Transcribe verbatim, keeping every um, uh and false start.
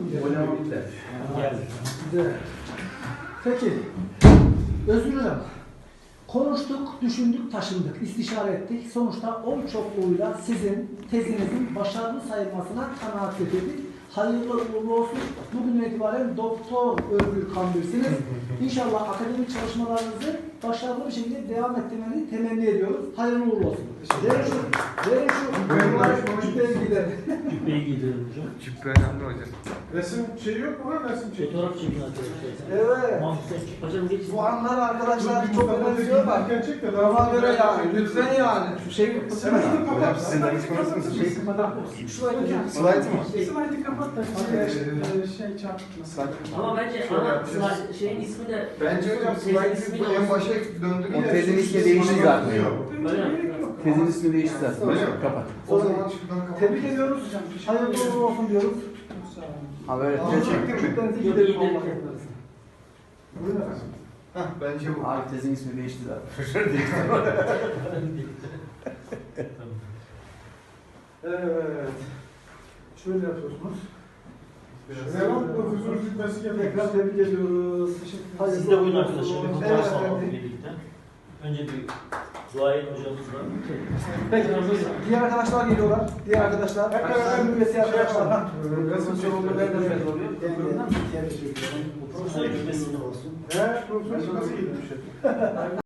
Oynama bitti. Güzel. Peki. Özgür Hocam. Konuştuk, düşündük, taşındık, istişare ettik. Sonuçta oy çokluğuyla sizin tezinizin başarılı sayılmasına kanaat getirdik. Hayırlı uğurlu olsun. Bugün itibaren Doktor Özgür Kambir'siniz. İnşallah akademik çalışmalarınızı başarılı bir şekilde devam ettirmenizi temenni ediyoruz. Hayırlı uğurlu olsun. Verin şu, verin şu cübbeye gidelim. Cübbeyi giydirelim hocam. Cübbe önemli hocam. Resim şeyi yok mu lan resim şeyi? Fotoğraf çekin arkadaşlar. Evet. Mahmut'tan hocam geç. Bu anlar arkadaşlar Dur, çok Mustafa önemsiyorlar. Tekin çek de daha Ona sonra göre biraz yani. çekelim. Lütfen yani. Şu şeyi Sen bunu kapat. Hocam sizin de hiç konuşmuyorsunuz. Şey kapatalım. Şurayı da Slide mı? Slide'ı kapat da şey, şey çarpıtmasın. Ama bence Şöyle ana yapacağız. slide- şeyin ismi de... Bence hocam Tezin slide ismi de bu en olsun. başa döndürüyor. O tezin ismi değişti zaten. Öyle mi? Tezin ismi değişti zaten. Öyle mi? Kapat. O zaman şuradan kapat. tebrik ediyoruz. Hayırlı uğurlu olsun diyoruz. Ha böyle Aa, tez çektin mi? Cübbenizi Yok, gidelim gidelim. Allah yaparız. Buyurun efendim. Hah bence bu. Abi tezin ismi değişti zaten. Evet. Şöyle yapıyorsunuz. Selam profesör cübbesi Tekrar gelmek. tebrik ediyoruz. Teşekkür Siz de buyurun arkadaşlar. Bir Evet fotoğraf alalım efendim. birlikte. Önce bir duayen hocamızla. Peki. Diğer arkadaşlar geliyorlar. Diğer arkadaşlar. Hep beraber Öğrenim üyesi arkadaşlar. Ha. Resim çekimi nereden belli oluyor? Profesör cübbesi olsun. He, profesör nasıl giymiş?